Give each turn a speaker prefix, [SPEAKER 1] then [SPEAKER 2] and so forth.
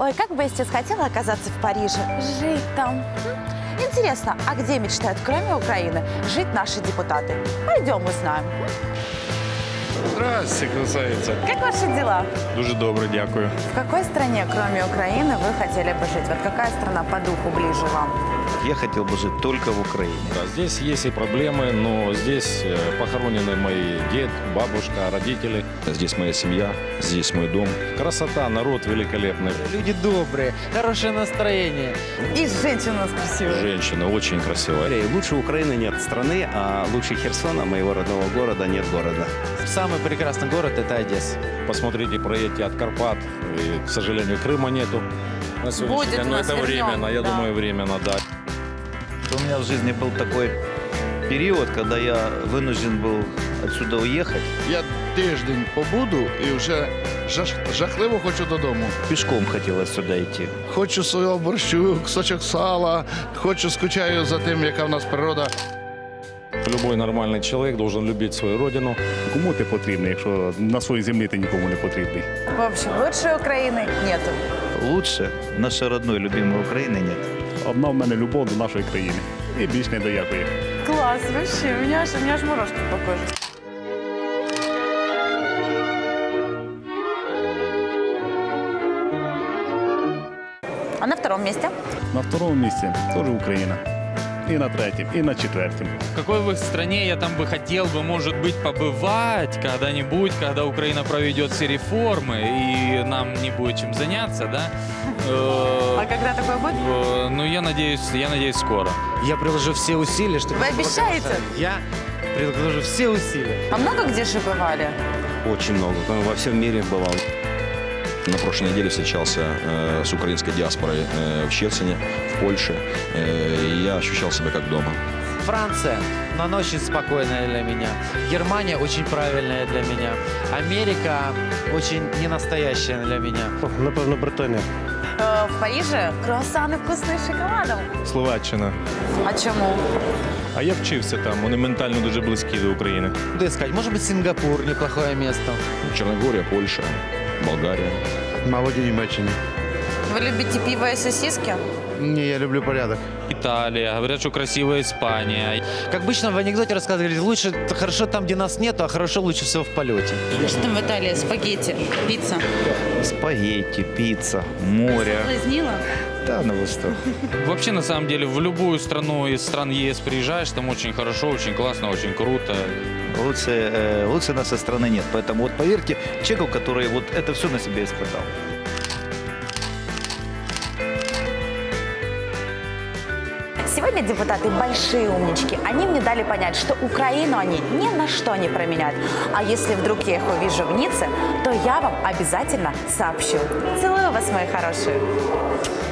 [SPEAKER 1] Ой, как бы я сейчас хотела оказаться в Париже, жить там. Интересно, а где мечтают, кроме Украины, жить наши депутаты? Пойдем узнаем.
[SPEAKER 2] Здрасте, красавица.
[SPEAKER 1] Как ваши дела?
[SPEAKER 2] Дуже добре, дякую.
[SPEAKER 1] В какой стране, кроме Украины, вы хотели бы жить? Вот какая страна по духу ближе вам?
[SPEAKER 3] Я хотел бы жить только в Украине.
[SPEAKER 2] Да, здесь есть и проблемы, но здесь похоронены мои дед, бабушка, родители.
[SPEAKER 4] Здесь моя семья, здесь мой дом.
[SPEAKER 2] Красота, народ великолепный.
[SPEAKER 5] Люди добрые, хорошее настроение.
[SPEAKER 1] И женщина у нас красивая.
[SPEAKER 4] Женщина очень красивая.
[SPEAKER 3] Лучше Украины нет страны, а лучше Херсона, моего родного города, нет города.
[SPEAKER 5] Самый прекрасный город – это Одесса.
[SPEAKER 2] Посмотрите, проедьте от Карпат. И, к сожалению, Крыма нету на сегодняшний
[SPEAKER 1] Будет
[SPEAKER 2] день.
[SPEAKER 1] у
[SPEAKER 2] Но
[SPEAKER 1] нас,
[SPEAKER 2] это
[SPEAKER 1] вернем,
[SPEAKER 2] временно, я
[SPEAKER 1] да.
[SPEAKER 2] думаю, временно, да.
[SPEAKER 3] У меня в жизни был такой период, когда я вынужден был отсюда уехать.
[SPEAKER 6] Я тиждень побуду і вже жахливо хочу додому.
[SPEAKER 3] Пешком хотел отсюда идти.
[SPEAKER 6] Хочу свого борщу, кусочок сала, скучаю за тим, яка в нас природа.
[SPEAKER 2] Любой нормальный человек должен любить свою родину.
[SPEAKER 7] Кому ти потрібний, якщо на своїй землі ти нікому не потрібний?
[SPEAKER 1] В общем, лучшей Украины нету.
[SPEAKER 3] Лучше нашей родной, любимой Украины нет.
[SPEAKER 7] Одна в мене любов до нашої країни. І більш не доякує.
[SPEAKER 1] Класс, вообще, у меня аж мурашки по коже. А на втором месте?
[SPEAKER 7] На второму місці теж Україна. І на третьому, і на четвертому.
[SPEAKER 5] В какой бы стране я там бы хотел бы, может быть, побывать когда-нибудь, когда Украина проведет все реформы и нам не будет чем заняться, да?
[SPEAKER 1] А когда такое будет?
[SPEAKER 5] Ну, я надеюсь, скоро.
[SPEAKER 8] Я приложу все усилия, чтобы...
[SPEAKER 1] Вы обещаете?
[SPEAKER 8] Я приложу все усилия.
[SPEAKER 1] А много где же бывали?
[SPEAKER 4] Очень много. Во всем мире бывал. На прошлой неделе встречался с украинской диаспорой в Щецине, в Польше. И я ощущал себя как дома.
[SPEAKER 8] Франция, но она очень спокойная для меня. Германия очень правильная для меня. Америка очень ненастоящая для меня.
[SPEAKER 9] Напевно, Британія.
[SPEAKER 1] В Париже круассаны вкусные с шоколадом.
[SPEAKER 2] Словаччина.
[SPEAKER 1] А чему?
[SPEAKER 2] А я вчився там, вони ментально дуже близькі до України.
[SPEAKER 8] Куда искать? Может быть, Сингапур, неплохое место.
[SPEAKER 4] Черногория, Польша, Болгария.
[SPEAKER 9] Мабуть, у Німеччині.
[SPEAKER 1] Вы любите пиво и сосиски?
[SPEAKER 9] Ні, я люблю порядок.
[SPEAKER 5] Италия, говорят, что красивая Испания.
[SPEAKER 8] Как обычно в анекдоте рассказывали, лучше хорошо там, где нас нету, а хорошо лучше всего в полете.
[SPEAKER 1] Что там в Италии? Спагетти, пицца.
[SPEAKER 3] Спагетти, пицца, море.
[SPEAKER 1] Соблазнила?
[SPEAKER 3] Да, на восток.
[SPEAKER 5] Вообще, на самом деле, в любую страну из стран ЕС приезжаешь, там очень хорошо, очень классно, очень круто.
[SPEAKER 3] Лучше нас со страны нет. Поэтому вот поверьте человеку, который вот это все на себе испытал.
[SPEAKER 1] Сегодня депутаты большие умнички. Они мне дали понять, что Украину они ни на что не променяют. А если вдруг я их увижу в Ницце, то я вам обязательно сообщу. Целую вас, мои хорошие.